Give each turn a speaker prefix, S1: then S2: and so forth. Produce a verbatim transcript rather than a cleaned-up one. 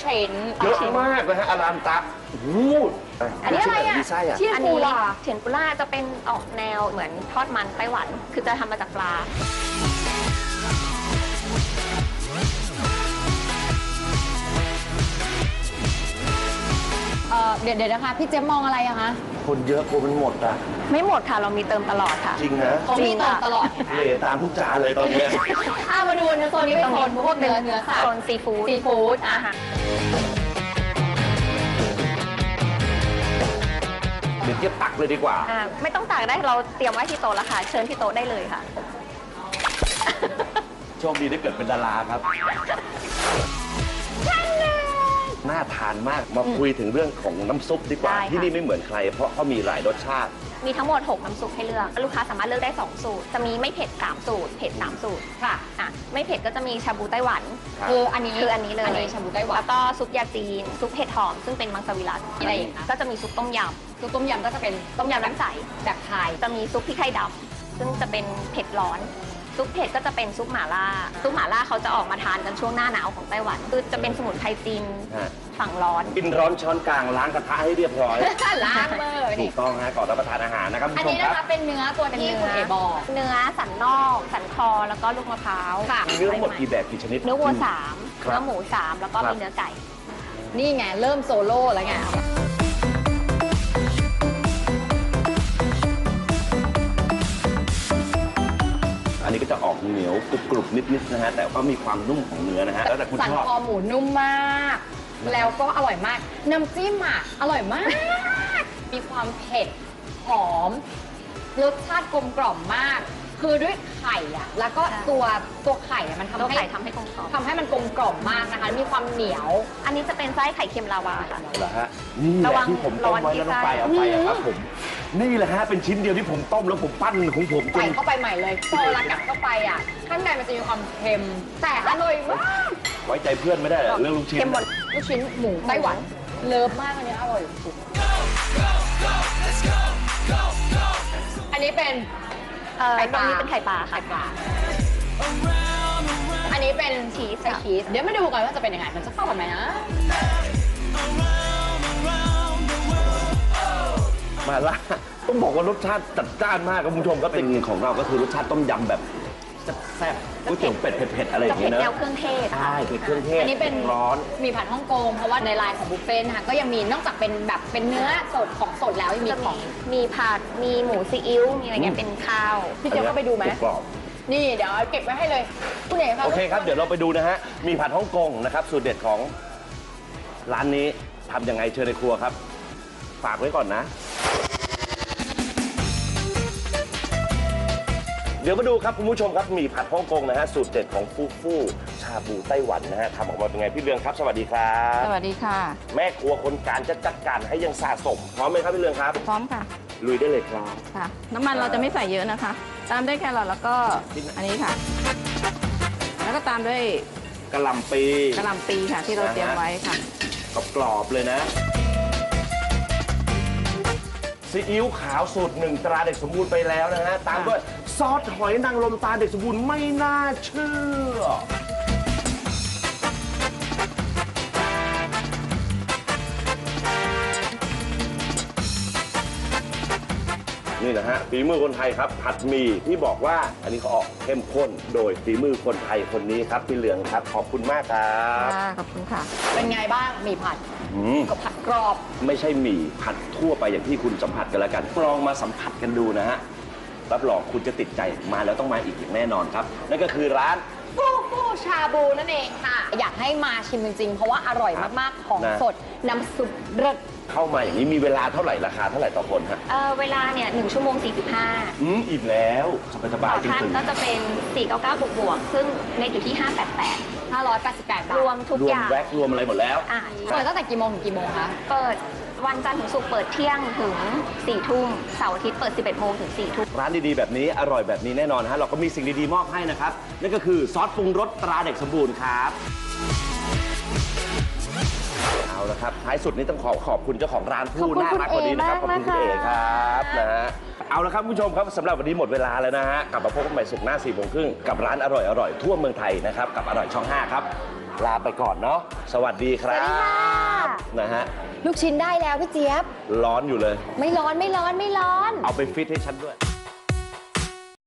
S1: ชิ้น
S2: เยอะมากนะฮะอารามตะวูด
S1: อันนี้อะไรอ่ะ
S2: เทียน
S1: อัน
S2: ปู
S1: นี้
S2: ล่า
S1: เทียนปูล่าจะเป็นออกแนวเหมือนทอดมันไต้หวัน คือจะทำมาจากปลาเออเดี๋ยวเดี๋ยวนะคะพี่เจ๊มองอะไรอะคะ
S2: คนเยอะกลัวมันหมดอ่ะ
S1: ไม่หมดค่ะเรามีเติมตลอดค่ะ
S2: จริงนะ
S1: เขามีเติมตลอด
S2: เหลตามทุกจานเลยตอนนี้
S1: อ่ามาดูในโซนนี้เป็นโซนพวกเนื้อเนื้อสัตว์โซนซีฟู้ดซีฟู้ดอาหาร
S2: เดี๋ยวเทียบตักเลยดีกว่า
S1: อ่าไม่ต้องตักได้เราเตรียมไว้ที่โต๊ะแล้วค่ะเชิญที่โต๊ะได้เลยค่ะ
S2: โชคดีได้เกิดเป็นดาราครับน่าทานมากมาคุยถึงเรื่องของน้ำซุปดีกว่าที่นี่ไม่เหมือนใครเพราะเขามีหลายรสชาติ
S1: มีทั้งหมดหกน้ำซุปให้เลือกลูกค้าสามารถเลือกได้สองสูตรจะมีไม่เผ็ดสามสูตรเผ็ดสามสูตรค่ะอ่ะไม่เผ็ดก็จะมีชาบูไต้หวันคืออันนี้คืออันนี้เลยอันนี้ชาบูไต้หวันแล้วก็ซุปยาจีนซุปเห็ดหอมซึ่งเป็นมังสวิรัติอะไรอย่างเงี้ยก็จะมีซุปต้มยำซุปต้มยำก็จะเป็นต้มยำน้ำใสแบบไทยจะมีซุปพริกไทยดำซึ่งจะเป็นเผ็ดร้อนซุปเผ็ดก็จะเป็นซุปหม่าล่าซุปหม่าล่าเขาจะออกมาทานกันช่วงหน้าหนาวของไต้หวันคือจะเป็นสมุนไพรจีนฝั่งร้อน
S2: กินร้อนช้อนกลางล้างกระทะให้เรียบร้อย
S1: ล้างมือ
S2: ถูกต้องฮะก่อนรับประทานอาหารนะครับ
S1: อันนี้นะคะเป็นเนื้อตัวที่คุณเอบอกเนื้อสันนอกสันคอแล้วก็ลูกมะพร้าว
S2: เนื้อหมดกี่แบบกี่ชนิด
S1: เนื้อวัวสามเนื้อหมูสามแล้วก็มีเนื้อไก่นี่ไงเริ่มโซโล่แล้วไง
S2: อันนี้ก็จะออกเหนียวกรุบกรุบนิดๆนะฮะแต่ก็มีความนุ่มของเนื้อนะฮะแล้วแต่คุณชอบ
S1: สันคอหมูนุ่มมากแล้วก็อร่อยมากน้ำจิ้มอ่ะอร่อยมากมีความเผ็ดหอมรสชาติกลมกล่อมมากคือด้วยไข่อ่ะแล้วก็ตัวตัวไข่มันทำให้ไข่ทำให้กลมกล่อมทำให้มันกลมกล่อมมากนะคะมีความเหนียวอันนี้จะเป็นไส้ไข่เค็มลาวาค่ะ
S2: เหรอฮะนี่แหละที่ผมต้มไว้แล้วต้องไปเอาไปครับผมนี่แหละฮะเป็นชิ้นเดียวที่ผมต้มแล้วผมปั้นของผม
S1: ใส่เข้าไปใหม่เลยพอเรากัดเข้าไปอ่ะข้างในมันจะมีความเค็มแต่อร่อยมาก
S2: ไว้ใจเพื่อนไม่ได้เรื่องลูกชิ้น
S1: เค็มหมดลูกชิ้นหมูไต้หวันเลิฟมากอันนี้อร่อยสุดอันนี้เป็นไข่ปลาอันนี้เป็นไข่ปลาไข่ปลาอันนี้เป็นชีสไส้ชีสเดี๋ยวมาดูกันว่าจะเป็นยังไงมันจะเข้ากันไหมนะ
S2: มาล่าต้องบอกว่ารสชาติจัดจ้านมากครับคุณผู้ชมก็เป็นของเราก็คือรสชาติต้มยำแบบแซ่บๆก๋วยเตี๋ยวเป็ดเผ็ดๆอะไรอย่างเงี้ยนะ
S1: แนวเครื่องเทศ
S2: ใช่เป็นเครื่องเทศ
S1: อันนี้เป็น
S2: ร้อน
S1: มีผัดฮ่องกงเพราะว่าในไลน์ของบุฟเฟ่ต์นะคะก็ยังมีนอกจากเป็นแบบเป็นเนื้อสดของสดแล้วยังมีของมีผัดมีหมูซีอิ๊วมีอะไรเงี้ยเป็นข้าวพี่เจ๊ก็ไปดูไหมนี่เดี๋ยวเก็บไว้ให้เลยคุณเอ๋ครับ
S2: โอเคครับเดี๋ยวเราไปดูนะฮะมีผัดฮ่องกงนะครับสูตรเด็ดของร้านนี้ทำยังไงเชิญในครัวครับฝากไว้ก่อนนะเดี๋ยวมาดูครับคุณผู้ชมครับมีผัดฮ่องกงนะฮะสูตรเด็ดของฟูฟูชาบูไต้หวันนะฮะทำออกมาเป็นไงพี่เรืองครับสวัสดีครับ
S3: สวัสดีค่ะ
S2: แม่ครัวคนการจะจัดการให้ยังสะสมพร้อมไหมครับพี่เรืองครับ
S3: พร้อมค่ะ
S2: ลุยได้เลยครับ
S3: ค่ะน้ำมันเราจะไม่ใส่เยอะนะคะตามด้วยแครอทแล้วก็อันนี้ค่ะแล้วก็ตามด้วย
S2: กะหล่ำปี
S3: กะหล่ำปีค่ะที่เราเตรียมไว้ค่ะ
S2: กรอบๆเลยนะซีอิ๊วขาวสูตรหนึ่งตราเด็กสมบูรณ์ไปแล้วนะฮะตามด้วยซอสหอยนางรมตราเด็กสมบูรณ์ไม่น่าเชื่อนี่นะฮะฝีมือคนไทยครับผัดหมี่ที่บอกว่าอันนี้เขาออกเข้มข้นโดยฝีมือคนไทยคนนี้ครับพี่เหลืองครับขอบคุณมากครับ
S3: ขอบคุณค่ะ
S1: เป็นไงบ้างหมี่ผัดกับผัดกรอบ
S2: ไม่ใช่หมี่ผัดทั่วไปอย่างที่คุณสัมผัสกันแล้วกันลองมาสัมผัสกันดูนะฮะรับรองคุณจะติดใจมาแล้วต้องมาอีกอย่างแน่นอนครับนั่นก็คือร้าน
S1: ฟูฟูชาบูนั่นเองค่ะอยากให้มาชิมจริงๆเพราะว่าอร่อยมากๆของสดน้ำซุปเลิศ
S2: เข้ามาอย่างนี้มีเวลาเท่าไหร่ราคาเท่าไหร่ต่อคนฮะ
S1: เออเวลาเนี่ยหนึ่งชั่วโมงสี่สิบห้า
S2: อืมอิ่มแล้วสบายๆจริงๆ
S1: ท่านก็จะเป็นสี่เก้าเก้าบวกบวกซึ่งในอยู่ที่ห้าแปดแปดห้าร้อยแปดสิบแปดบาทรวมทุกอย่าง
S2: รวมแว็กรวมอะไรหมดแล้ว
S1: อ่าเปิดตั้งแต่กี่โมงถึงกี่โมงคะเปิดวันจันทร์ถึงศุกร์เปิดเที่ยงถึงสี่ทุ่มเสาร์อาทิตย์เปิดสิบเอ็ดโมงถึงสี่ทุ่ม
S2: ร้านดีๆแบบนี้อร่อยแบบนี้แน่นอนฮะเราก็มีสิ่งดีๆมอบให้นะครับนั่นก็คือซอสปรุงรสตราเด็กสมบูรณ์ครับเอาละนะครับท้ายสุดนี้ต้องขอขอบคุณเจ้าของร้านผู้น่ารักคนนี้นะครับขอบคุณคุณเอ๋ครับนะฮะเอาละครับคุณผู้ชมครับสำหรับวันนี้หมดเวลาแล้วนะฮะกลับมาพบกันใหม่ศุกร์หน้าสี่โมงครึ่งกับร้านอร่อยอร่อยทั่วเมืองไทยนะครับกับอร่อยช่องห้าครับลาไปก่อนเนาะสวัสดีครับนะฮะ
S4: ลูกชิ้นได้แล้วพี่เจี๊ยบ
S2: ร้อนอยู่เลย
S4: ไม่ร้อนไม่ร้อนไม่ร้อน
S2: เอาไปฟิตให้ฉันด้วย